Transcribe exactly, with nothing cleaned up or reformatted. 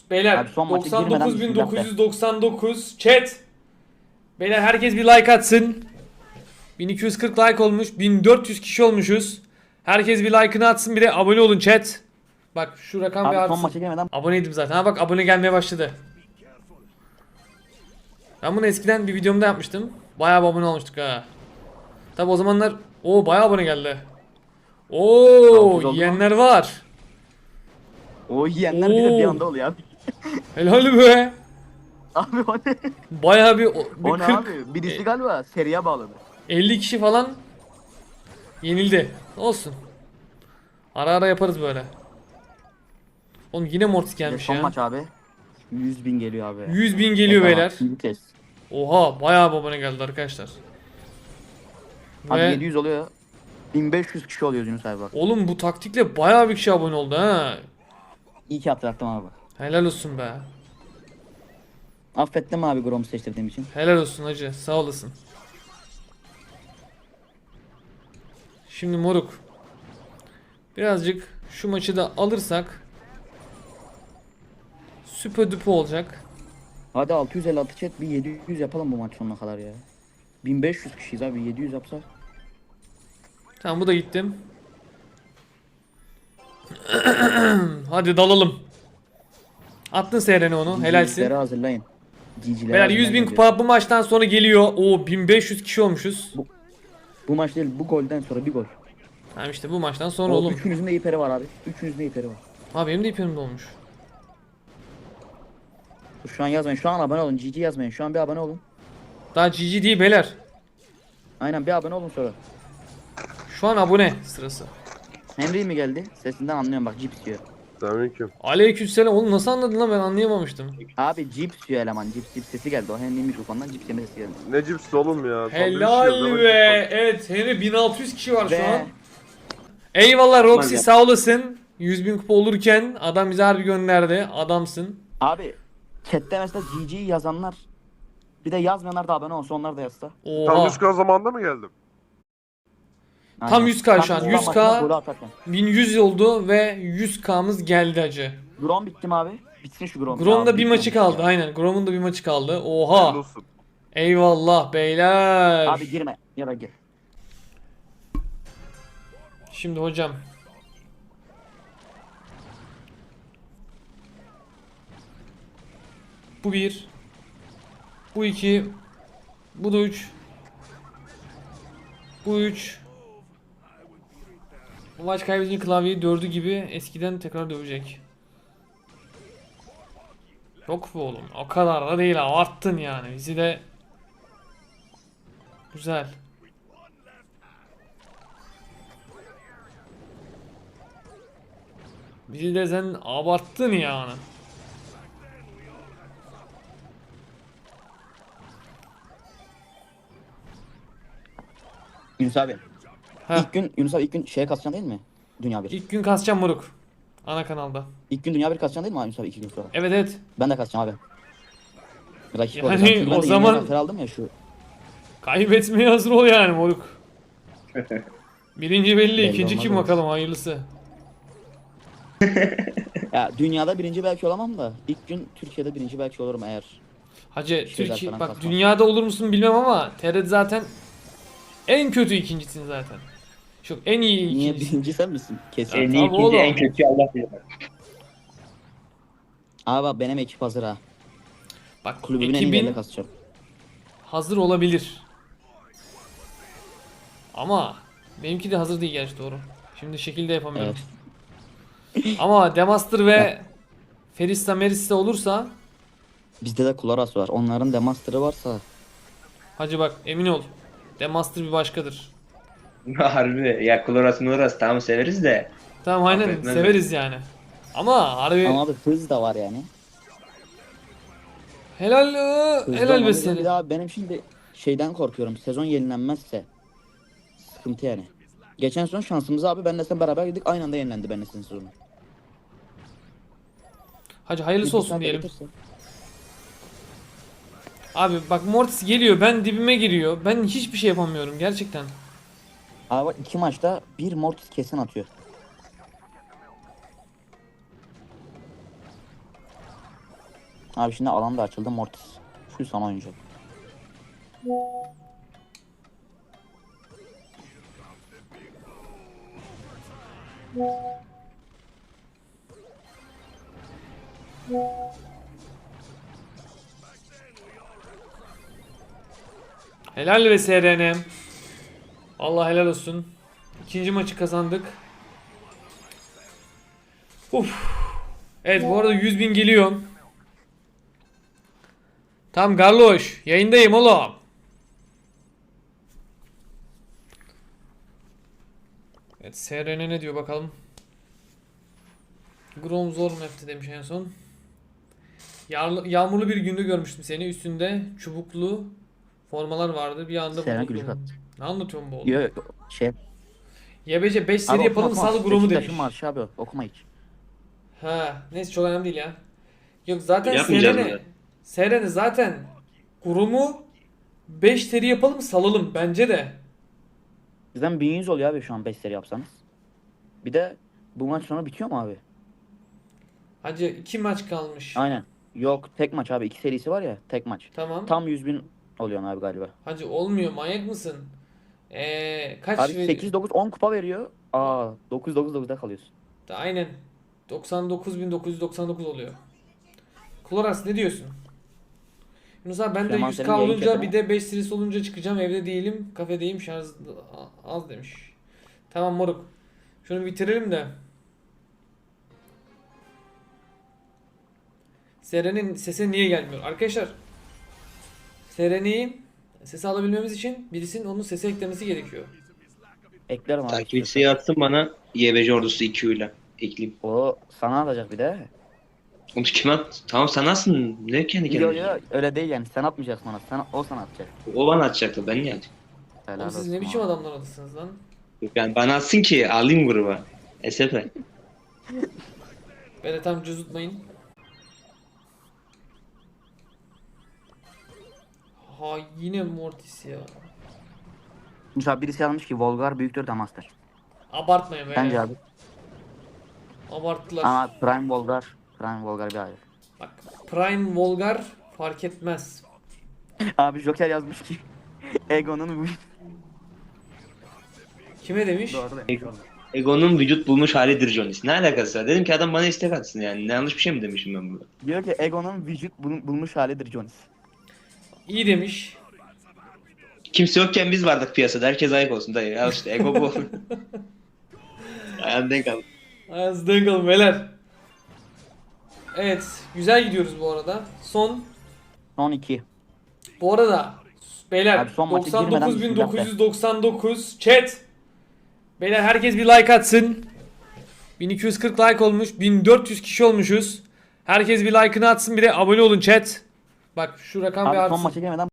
Beyler Abi son maça doksan girmeden dokuz bin bismillah dokuz de. yüz doksan dokuz chat. Beyler herkes bir like atsın. bin iki yüz kırk like olmuş. bin dört yüz kişi olmuşuz. Herkes bir like'ını atsın, bir de abone olun chat. Bak şu rakam bir Abi son artsın. maça girmeden Aboneydim zaten. Ha bak, abone gelmeye başladı. Ben bunu eskiden bir videomda yapmıştım. Bayağı bir abone olmuştuk ha. Tabi o zamanlar o bayağı abone geldi. Oo, altı yüz oldu mu? yiyenler var. O yiyenler bir de bir Oo, anda oluyor abi. helal be. Abi o ne? Bayağı bir, bir O ne kırk abi? Birisi galiba seriye bağladı. elli kişi falan yenildi. Olsun. Ara ara yaparız böyle. Oğlum yine Mortis Bir de gelmiş son ya. maç abi. yüz bin geliyor abi. yüz bin geliyor Bedava, beyler. ikinci kez. Oha, bayağı bir abone geldi arkadaşlar. Abi Ve yedi yüz oluyor. bin beş yüz kişi oluyor Yunus abi bak. oğlum bu taktikle bayağı bir kişi abone oldu ha. İyi ki hatırlattım abi bak. Helal olsun be. Affettim abi Grom'u seçtirdiğim için. Helal olsun hacı, sağ olasın. Şimdi moruk, birazcık şu maçı da alırsak süper düpe olacak. Hadi altı yüz elli altı chat, bir yedi yüz yapalım bu maç sonuna kadar ya. bin beş yüz kişiyiz abi, yedi yüz yapsak. Tamam, bu da gittim. Hadi dalalım. Attın Seren'e onu, helalsin. G G'leri hazırlayın. G G'leri Beyler yüz bin kupa bu maçtan sonra geliyor. Oo, bin beş yüz kişi olmuşuz. Bu, bu maç değil, bu golden sonra bir gol. Tamam işte bu maçtan sonra O, oğlum. üçünüzün de iperi var abi. Üçünüzün de iperi var. Ha, benim de ipim olmuş. Şu an yazmayın. Şu an abone olun. G G yazmayın. Şu an bir abone olun. Daha G G değil beyler. Aynen, bir abone olun sonra. Şu an abone sırası. Henry mi geldi? Sesinden anlıyorum bak, cips yiyor. Selamünaleyküm. Aleykümselam. Oğlum nasıl anladın lan, ben anlayamamıştım. Abi cips yiyor eleman. Cips cips sesi geldi. O Henry mikrofondan cips yeme sesi geldi. Ne cipsi oğlum ya? Sandviç Helal yiyoruz, hemen be. cips Evet Henry, bin altı yüz kişi var şu Ve an. Eyvallah Roxy, Hadi. sağ olasın. yüz bin kupa olurken adam bize harbi gönderdi. Adamsın. abi chatte mesela G G yazanlar, bir de yazmayanlar da abone olsa, onlar da yazsa. al. Tam Oha. yüz K zamanında mı geldim? Tam yüz K şu an, Tam yüz K. maçına golü atarken. bin yüz oldu ve yüz K'mız geldi hacı. Grom bitti mi abi? Bitsin şu Grom. Grom'un Ya, da bir bitmiyor maçı ya. kaldı. Aynen. Grom'un da bir maçı kaldı. Hayırlı Oha. olsun. Eyvallah beyler. Abi girme. Ya da gir. Şimdi hocam. Bu bir. Bu iki. Bu da üç. Bu üç. Bu maç kaybedince klavyeyi dördü gibi eskiden tekrar dövecek. Yok bu oğlum. O kadar da değil, abarttın yani. Bizi de güzel. Bizi de sen abarttın yani. Yunus abi. Heh. İlk gün Yunus abi ilk gün şeye kasacaksın değil mi? Dünya bir. İlk, İlk gün kasacağım moruk. Ana kanalda. gün dünya bir kasacaksın değil mi abi Yunus abi, iki gün sonra? Evet evet. Ben de kasacağım abi. Rakip Yani olacağım. Çünkü ben o de zaman- yeni zafer aldım ya şu. Kaybetmeye hazır ol yani moruk. Birinci belli, Belli ikinci olmaz kim olsun. bakalım, hayırlısı. Ya dünyada birinci belki olamam da ilk gün Türkiye'de birinci belki olurum eğer. Hacı Şeyler Türkiye falan bak, kasmaz. dünyada olur musun bilmem ama T R T zaten en kötü ikincisin zaten. Çok en iyi Niye ikincisin. birinci sen misin? Kesin. Ya En iyi tabii ikinci, oğlum. en kötü Allah bilir. Abi bak benim ekip hazır ha. Bak Kulübümün en iyi ekibin yerine kasacağım. hazır olabilir. Ama benimki de hazır değil gerçi, doğru. Şimdi şekilde yapamıyorum. Evet. Ama Demaster ve Ferista Merista olursa Bizde de Kularas var. Onların demaster'ı varsa. hacı bak, emin ol. Demaster bir başkadır. Harbi ya, Kloras Muras tamam severiz de. Tamam aynen, Affetmez severiz yani. Ama harbi Ama abi hız da var yani. helal ıı, Hızlı helal be olmamız seni. Bir daha benim şimdi şeyden korkuyorum. Sezon yenilenmezse sıkıntı yani. Geçen sezon şansımız abi, benle sen beraber gittik, aynı anda yenilendi benle senin sezonu. Hacı hayırlısı olsun İkisi de diyelim. getirse. Abi bak Mortis geliyor, ben dibime giriyor. Ben hiçbir şey yapamıyorum gerçekten. Abi bak iki maçta bir Mortis kesin atıyor. Abi şimdi alan da açıldı. Mortis. Full sana oyuncu. Helal ve S R N. Allah helal olsun. İkinci maçı kazandık. Uf. Evet bu arada yüz bin geliyor. Tam Garloş. Yayındayım oğlum. Evet S R N ne diyor bakalım. Grom zor map'ti demiş en son. Yağmurlu, yağmurlu bir günde görmüştüm seni. Üstünde çubuklu formalar vardı. Bir anda Seren buldum. gülüş attı. Ne anlatıyorsun bu oğlum? Yo, şey. Y B C beş seri Abi yapalım okuma, okuma. sağlı Grom'u demiş. Beşiktaş'ın marşı abi, okuma hiç. Ha, neyse çok önemli değil ya. Yok zaten Yapmayacağız Seren'i mı? Seren'i zaten Grom'u beş seri yapalım salalım bence de. Bizden bin yüz oluyor abi şu an beş seri yapsanız. Bir de bu maç sonra bitiyor mu abi? Hacı iki maç kalmış. Aynen. Yok tek maç abi. iki serisi var ya tek maç. Tamam. Tam yüz bin oluyor abi galiba. Hacı olmuyor manyak mısın? Ee, kaç Abi veriyor? sekiz dokuz on kupa veriyor. Aa dokuz dokuz dokuzda kalıyorsun. Da aynen. doksan dokuz bin dokuz yüz doksan dokuz oluyor. Kloras ne diyorsun? Yunus abi ben de Süleyman yüz senin K yayın olunca chatine. bir de beş serisi olunca çıkacağım. Evde değilim. Kafedeyim. Şarj az demiş. Tamam moruk. Şunu bitirelim de. Seren'in sesi niye gelmiyor? Arkadaşlar Seren'i sesi alabilmemiz için birisinin onun sesi eklemesi gerekiyor. Eklerim abi. Takipçisi atsın bana Y B C ordusu iki ile ekleyeyim. O sana atacak bir de. Onu kim at? Tamam sen atsın. Ne kendi Yok kendine? yok öyle değil yani. Sen atmayacaksın ona. Sen, o sana atacak. O bana atacaktı ben niye atayım? Helal Oğlum siz olsun ne biçim abi. adamlar adısınız lan? Yani bana atsın ki alayım gruba. S F. Beni tam cızutmayın. Ha yine Mortis ya. Şimdi abi birisi yazmış ki Volgar büyüktür Damaster. Abartmayın be. Bence abi. Abarttılar. Ama Prime Volgar. Prime Volgar bir ayrı. Bak Prime Volgar fark etmez. Abi Joker yazmış ki Ego'nun Kime demiş? Doğru da. Ego. Ego'nun vücut bulmuş halidir Jonis. Ne alakası var? Dedim ki adam bana istek atsın yani. Ne yanlış bir şey mi demişim ben burada? Diyor ki Ego'nun vücut bul- bulmuş halidir Jonis. İyi demiş. Kimse yokken biz vardık piyasada. Herkes ayık olsun dayı. Ya işte Ego bu. Ayağını denk al. Ayağınızı denk alın beyler. Evet. Güzel gidiyoruz bu arada. Son. Son iki. Bu arada. Beyler. Abi son maça doksan dokuz bin girmeden dokuz yüz doksan dokuz. Chat. Beyler herkes bir like atsın. bin iki yüz kırk like olmuş. bin dört yüz kişi olmuşuz. Herkes bir like'ını atsın bir de abone olun chat. Bak şu rakam bir Abi son artsın. maça gelmeden